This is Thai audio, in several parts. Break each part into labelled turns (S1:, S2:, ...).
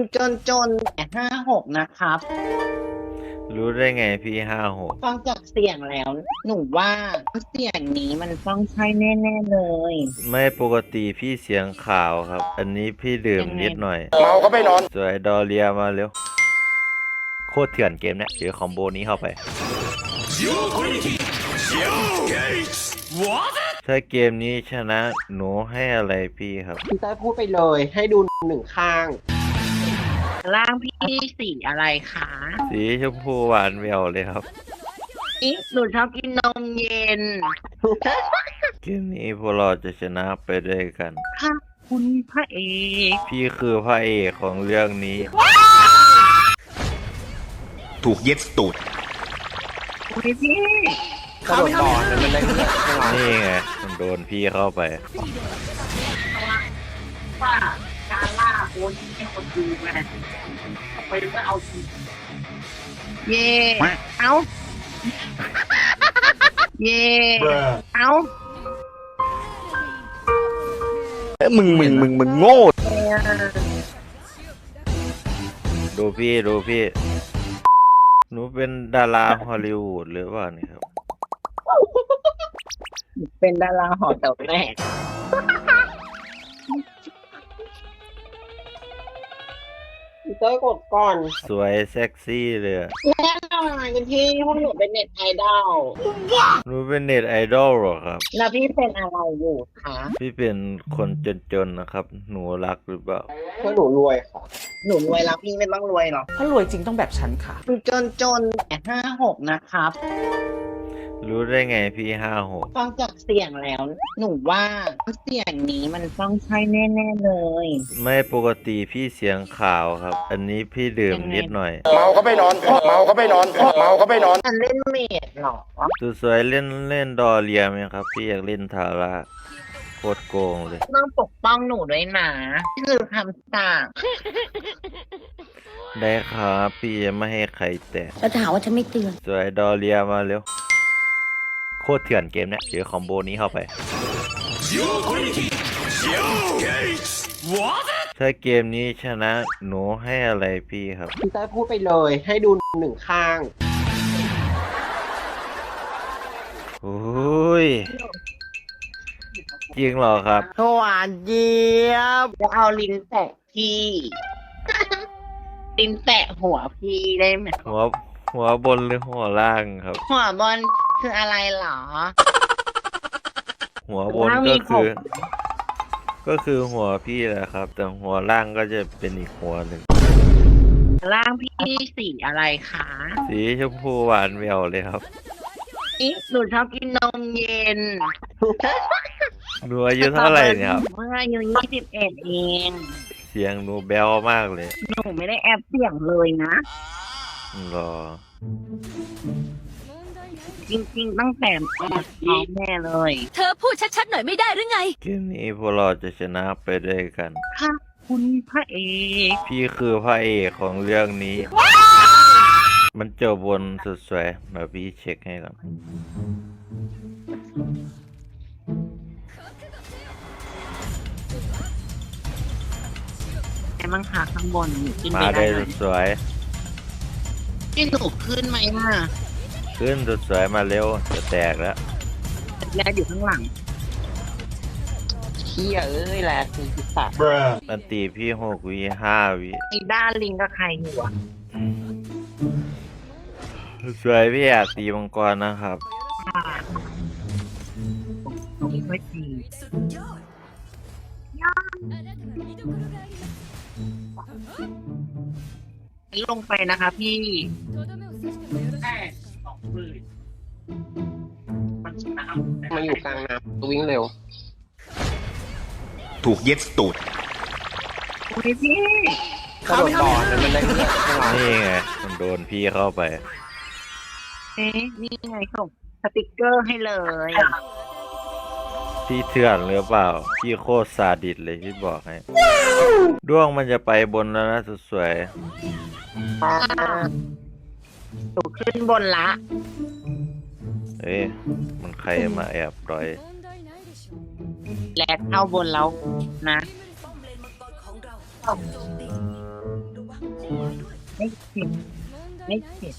S1: จนแต่56นะครับ
S2: รู้ได้ไงพี่56
S1: ฟังจากเสียงแล้วหนูว่าเสียงนี้มันต้องใช่แน่ๆเลย
S2: ไม่ปกติพี่เสียงขาวครับ อันนี้พี่ดื่ม
S1: ยังไง
S2: นิดหน่อย
S3: เมาก็ไม่นอน
S2: สวยดอเรียมาเร็วโคตรเถื่อนเกมเนี่ยเจอคอมโบนี้เข้าไปถ้าเกมนี้ชนะหนูให้อะไรพี่ครับ
S3: พี่เต้ยพูดไปเลยให้ดูหนึ่งข้าง
S1: ร่างพี่สีอะไรคะ
S2: สีชมพูหวานแหววเลยครับ
S1: หนูชอบกินนมเย็น
S2: เกมนี้พวกเราจะชนะไปด้วยกัน
S1: ค่ะคุณพระเอก
S2: พี่คือพระเอกของเรื่องนี้
S4: ถูกเย็ดตูด
S1: คุณพี่
S3: กระโดดบ่อนั่นมันได้ไม่ไหว
S2: นี่ไงมันโดนพี่เข้าไป
S1: ว่าการล่าโคนให้คนดูไงไปก็เอาทีเย่เอาเย่เอา
S4: มึงโง่
S2: ดูพี่หนูเป็นดาราฮอลลีวูดหรือเปล่านี่ครับ
S1: เป็นดาราหอแต๋วแตก
S3: พี่เต้ยกดก่อน
S2: สวยเซ็กซี่เลยอะ
S1: แน่นอนคุณพี่พวกหนูเป็นเน็ตไอดอล
S2: หนูเป็นเน็ตไอดอลเหรอครับ
S1: แล้วพี่เป็นอะไรอยู่คะ
S2: พี่เป็นคนจนๆนะครับ หนูรักหรือเปล่า
S3: เพื่อหนูรวยค่ะ
S1: หนูรวยแล้วพี่ไม่ต้องรวยหรอก
S5: ถ้ารวยจริงต้องแบบฉันค่ะ
S1: จนแต่56นะครับ
S2: รู้ได้ไงพี่56
S1: ฟังจากเสียงแล้วหนูว่าเสียงนี้มันต้องใช่แน่ๆเลย
S2: ไม่ปกติพี่เสียงขาวครับ อันนี้พี่ดื่มนิดหน่อย
S3: เมาก็ไม่นอนเมาก็ไม่นอนเมาก็ไม่นอน
S1: มันเล่นเมดเหรอ
S2: สวยๆเล่นดอเรียไหมครับ พี่อยากเล่นทาร่าโคตรโกงเลย
S1: ต้องปกป้องหนูด้วยนะนี่คือคำสั่ง
S2: ได้ครับพี่จะไม่ให้ใครแตะ
S6: แล้วจะหาว่าฉันไม่เตือน
S2: สวยดอเรียมาเร็วโคตรเถื่อนเกมเนี่ยเจอคอมโบนี้เข้าไป ถ้าเกมนี้ชนะหนูให้อะไรพี่ครับ
S3: พี่เต้ยพูดไปเลยให้ดูหนึ่งข้าง
S2: โอ้ยจริงเหรอครับ
S1: หวานเจี๊ยบจะเอาลิ้นแตะพี่ ลิ้นแตะหัวพี่ได้ไหม
S2: หัวบนหรือหัวล่างครับ
S1: หัวบอลคืออะไรเหรอ
S2: หัวบน
S1: ล่างมี
S2: ก็คือหัวพี่แหละครับ แต่หัวล่างก็จะเป็นอีกหัวหนึ่ง
S1: ร่างพี่สีอะไรคะ
S2: สีชมพูหวานแหววเลยครับ
S1: หนูชอบกินนมเย็น
S2: หนูอายุเท่าไหร่เนี่ยครับ
S1: เมื่ออายุ21เอง
S2: เสียงหนูแบ๊วมากเลย
S1: หนูไม่ได้แอบเสียงเลยนะ
S2: รอ
S1: จริงๆตั้งแต่ท้องแม่เลย
S6: เธอพูดชัดๆหน่อยไม่ได้หรือไง
S2: เกมนี้พวกเราจะชนะไปด้วยกัน
S1: ค่ะคุณพระเอก
S2: พี่คือพระเอกของเรื่องนี้ มันจบบนสุดสวยเดี๋ยวพี่เช็คให้ก่อน
S1: ไอ้มังคะข้างบนหนูขึ้น
S2: มา
S1: ไป
S2: ได้
S1: ได้ไหม
S2: สุดสวย
S1: ให้หนูขึ้นไหมอ่ะ
S2: ขึ้นสุดสวยมาเร็วจะแตกแล้ว
S1: แรกอยู่ข้างหลัง
S3: เชี่ยเอ้ยแหละคือพิศาจ
S2: อันตีพี่6 วิ 5 วิ
S1: ไอ้ด้านลิงกับใครอยู่อ่ะ
S2: สวยพี่อยากตีมังกรนะครับ
S1: ตรงนี้ไม่ดีลงไปนะคะพี่แค่20,000มันชนะ
S3: มาอยู่กลางน้ำวิ่งเร็ว
S4: ถูกเย็ดตูด
S1: โอ้ยพี่
S3: กระโดดบ่อนั่นมันได้ไม่ไหว
S2: นี่ไงมันโดนพี่เข้าไป
S1: เอ๊ะนี่ไงส่งสติกเกอร์ให้เลย
S2: พี่เถื่อนหรือเปล่า พี่โคตรซาดิสเลยพี่บอกให้ด้วงมันจะไปบนแล้วนะสุดสวย
S1: หนูขึ้นบนละ
S2: เอ๊ะมันใครมาแอบรอย
S1: แลกเข้าบนแล้วนะไม่เข็ดไม่เข็ด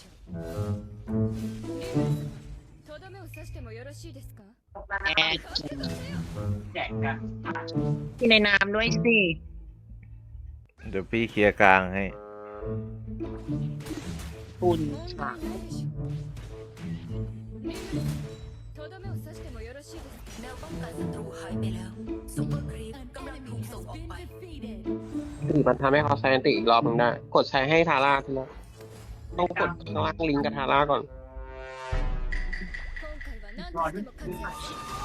S6: とどめを刺してもよろしいですか
S1: แอดแจกกันกินในน้ำด้วยสิ
S2: เดี๋ยวพี่เคลียร์กลางให้
S1: คุณค่ะ
S6: とどめを刺してもよろしいですかแนวป้องกันศัตรูหายไปแล้วซุปเปอร์ครีปกำลังถูกส่งออกไป
S3: ถึงมันทำให้เขาใช้อันติอีกรอบนึงได้ กดใช้ให้ทาร่าทีละต้องกดข้างล่างลิงก์กับทาร่าก่อน
S6: 今回は何としても勝つ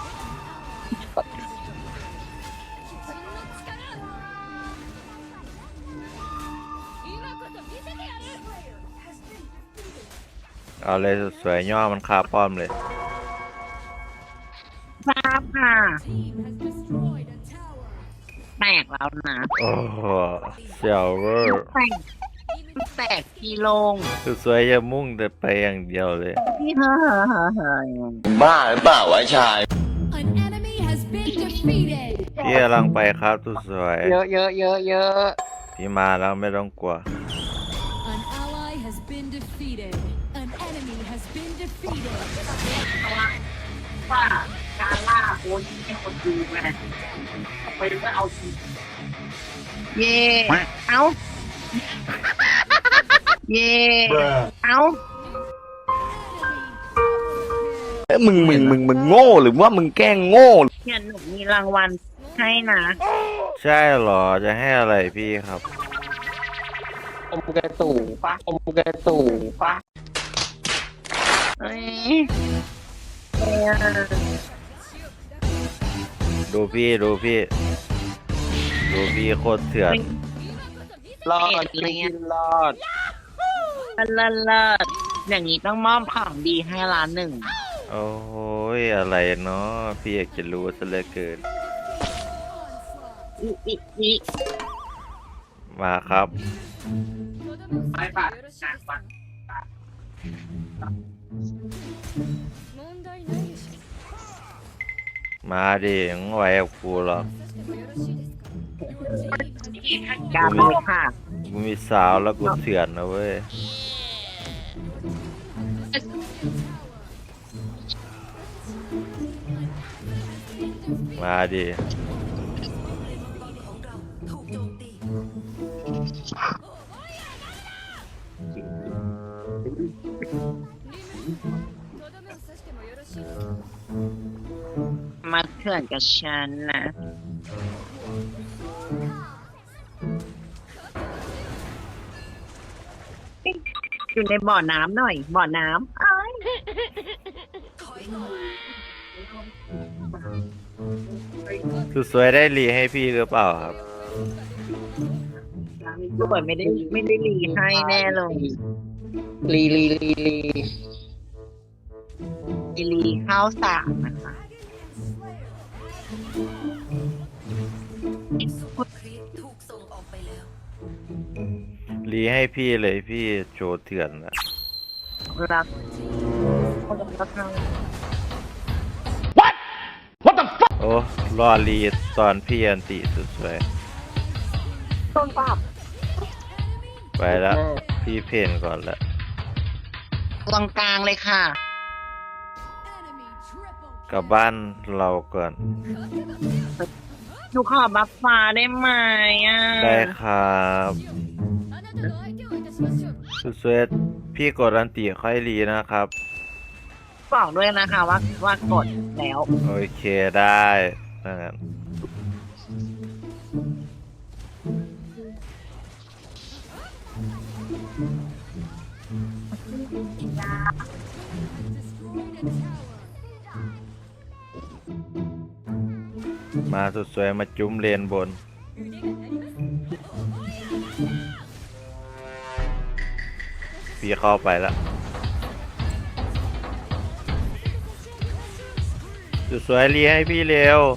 S6: 今こそ見せてやる
S2: เอาเลยสวยๆย่อมันคาป้อมเลย
S1: ทราบค่ะ แตกแล้วนะ
S2: โอ้โหเซลเวอร์
S1: แตกกี่ลง
S2: สวยๆอย่ามุ่งแต่ไปอย่างเดียวเลย
S1: พี่เฮ้ย
S4: บ้าหรือเปล่าวะชาย
S6: An enemy has been defeated
S2: พี่กำลังไปครับสวย
S3: เยอะเยอะเยอะเยอะ
S2: ๆพี่มาแล้วไม่ต้องกลัว
S6: An ally has been defeated An enemy has been defeated
S1: ว่าการล่าโคนให้คนดูไงไปก็เอาทีเย่เอา เย่เอา
S4: มึงโง่หรือว่ามึงแกล้งโง่
S1: เนี่ยหนูมีรางวัลให้นะ
S2: ใช่เหรอจะให้อะไรพี่ครับ
S3: อมกระตู่ปะอมกระตู่ปะ
S1: เอ้ย
S2: ดูพี่โคตรเถื่อน
S3: รอดลิงก์รอด
S1: เลิศอย่างนี้ต้องมอบของดีให้ร้านหนึ่ง
S2: โอ้ยอะไรเนาะพี่อยากจะรู้ซะเหลือเกิน
S1: อี
S2: มาครับ
S1: ไปปะจากปะ
S6: 問題ないでしょ
S2: มาดิยังไหวกับกูหรอก
S1: การเลยค่ะ
S2: กูมีสาวแล้วกูเถื่อนนะเว้ยมาดิ
S1: มาเถื่อนกับฉันนะอยู่ในบ่อน้ำหน่อย บ่อน้ำอ้าย
S2: สวยๆได้รีให้พี่หรือเปล่าครับ
S1: สวยไม่ได้รีให้แน่เลย
S3: ลี
S1: รีข้าวสารนะคะ
S2: รีให้พี่เลยพี่โจเถื่อนอะ
S1: รัก
S2: โอ้รอรีตอนพี่อันติสวย
S1: ต้นปาบ
S2: ๆไปแล้วพี่เพนก่อนละ
S1: ตรงกลางเลยค่ะ
S2: กลับบ้านเราก่อน
S1: หนูขอบัฟฟ้าได้ไหมอ่ะ
S2: ได้ครับสวยๆพี่กดอันติค่อยรีนะครับ
S1: บอกด้วยนะคะว่ากดแล้ว
S2: โอเคได้ถ้างั้นมาสวยๆมาจุ้มเลนบน พี่เข้าไปแล้วสวยๆรีให้พี่เร็ว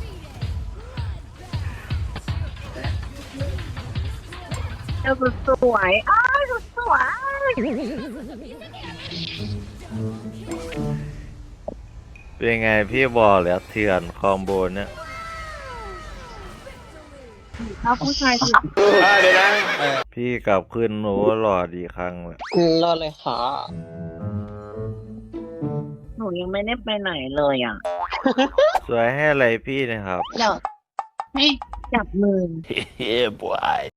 S1: เจ้าสวยอ้าวสวย
S2: เป็นไงพี่บอกแล้วเถื่อนคอมโบเนี่ย
S1: แล้วผู้ชายสิ
S3: เดี๋ยวนะ
S2: พี่กลับคืนหนูหล่อดีครั้งเลย
S3: รอดเลยค่ะ
S1: หนูยังไม่ได้ไปไหนเลยอ่ะ
S2: สวยให้อะไรพี่นะครับ
S1: อยากให้จับมือ
S4: เฮ้ยบอย